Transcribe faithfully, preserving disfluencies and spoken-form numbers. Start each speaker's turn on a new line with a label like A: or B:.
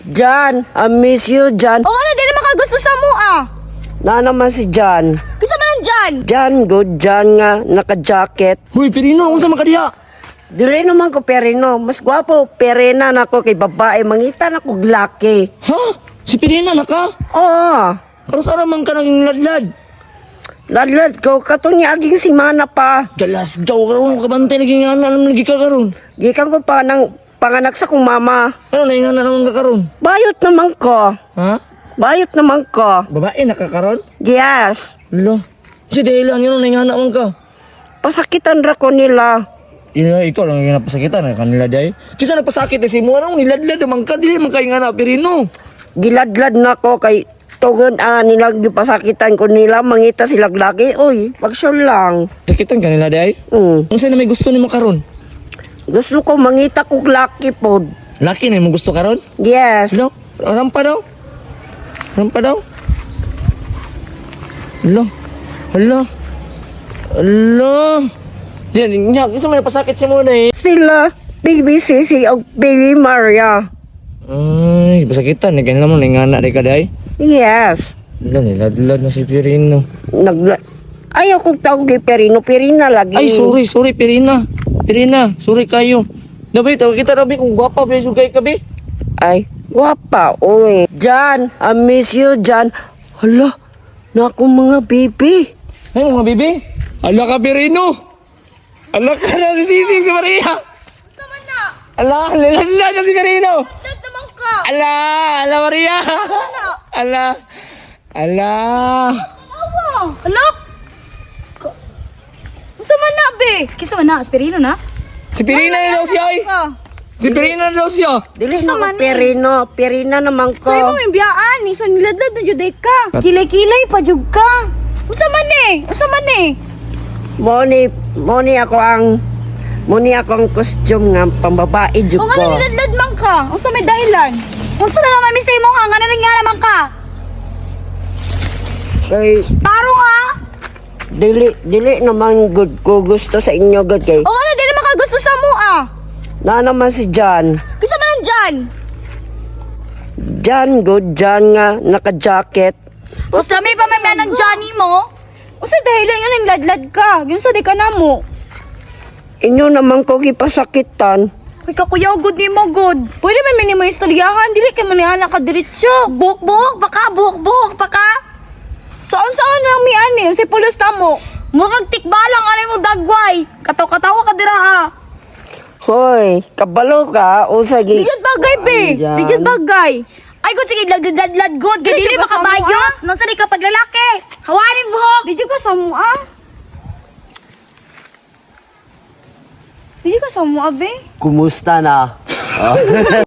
A: Jan, I miss you, Jan.
B: O ano, di naman ka gusto sa mo ah.
A: Na naman si Jan.
B: Kisa man dyan.
A: Jan, good Jan nga, naka-jacket.
C: Huy, Pirino, kung sa makadiya.
A: Dili naman ko perino. Mas gwapo, perena na ko kay babae. Mangita na ko glaki.
C: Ha? Si Pirina na ka?
A: Oo.
C: Karos araman ka naging ladlad.
A: Ladlad ko, kato niya aging si Mana pa.
C: Galas daw karon kabantay naging ana naman lagi ka karon.
A: Gikan ko pa ng panganak sa kong mama.
C: Ano na ingana naman ka karon?
A: Bayot naman ko.
C: Ha?
A: Bayot naman ko.
C: Babae na ka karon?
A: Yes.
C: Lo. Si dahilan yun na ingana man ka.
A: Pasakitan ra ko nila.
C: Yun nga, ikaw lang yung napasakitan na kanila day. Kisa nagpasakit na si mo, anong niladlad naman ka, di man kayo nga na, Pirino.
A: Giladlad na ko kay tungod ah, nila gipasakitan ko nila. Mangita sila glaki. Uy, pagsyon lang.
C: Sakitan kanila day?
A: Mm.
C: Ang saan na may gusto ni mo karon?
A: Gusto ko mangita ko glaki po.
C: Laki na mo gusto karon?
A: Yes.
C: Lo, rampa daw. Rampa daw. Lo. Hala. Hala. Diyan, nya, gusto mo napasakit si mo na eh.
A: Sila, Baby Sisi o Baby Maria.
C: Ay, pasakitan, eh, ganyan naman, ingana rin ka day.
A: Yes.
C: Hala, niladlad na si Pirino.
A: Nag Ayaw kong tawag kay Perino. Perina lagi.
C: Ay, sorry, sorry, Pirina. Pirina, sorry kayo. Dabi, tawag kita, Dabi, kung gwapa, be, sugay ka, be.
A: Ay, guwapa. Uy. Jan, I miss you, Jan. Hala, na akong mga baby.
C: Ay, mga bibi. Ala ka, Pirino. Ala ka na si Sisig, si Maria.
B: Sama na.
C: Ala, niladlad na si Pirino.
B: Dad naman ka.
C: Ala, ala, Maria. Ala, ala.
B: Awa. Anak. Sama na, be. Kisa man na, aspirino na.
C: Si Pirina na daw siya, ay.
B: Ka.
C: Si Pirina na daw siya.
A: Dili
B: Sa
A: na
B: man
A: ko
B: eh.
A: Perino. Perina naman ko.
B: So, imo may biyaan. So, niladlad na juday ka. Kilay-kilay pa jud ka. Usa man eh. Usa man eh.
A: Moni, moni ako ang moni ako ang costume nga pambabae jud
B: O
A: ko.
B: nga niladlad man ka. Usa may dahilan. Unsa na naman mi sa imo ha? Nga na rin nga naman ka.
A: Kay
B: Taro nga.
A: dili dili naman good ko gusto sa inyo good kay.
B: O nga na, di naman ka gusto sa mo ah.
A: Na naman si Jan.
B: Kisa man dyan.
A: Jan good Jan nga naka-jacket.
B: Basta may pamamaya ng Johnny mo. Usa dahilan nga niladlad ka. Yun sa di ka na mo.
A: Inyo naman ko gipasakitan.
B: Uy, kakuyaw, good ni mo, good. Pwede man mini mo istoryahan. Dili ka manihala ka diretsyo. Buhok-buhok, baka, buhok-buhok, baka. Saan-saan lang mi ani, si pulos ta mo. Murag tikbalang, ano mo dagway. Kataw-katawa ka dira ha.
A: Hoy, kabalo ka usa gi.
B: Di bagay, be.
A: Andyan.
B: Di bagay. Ay, good, sige, lad-lad-lad, good. Gadi Di ba
C: ah?
B: kabayot? Nang sari ka paglalaki. Hawanin buhok. Di ka sa mo, ah. Di ka sa mo, abe.
A: Kumusta na?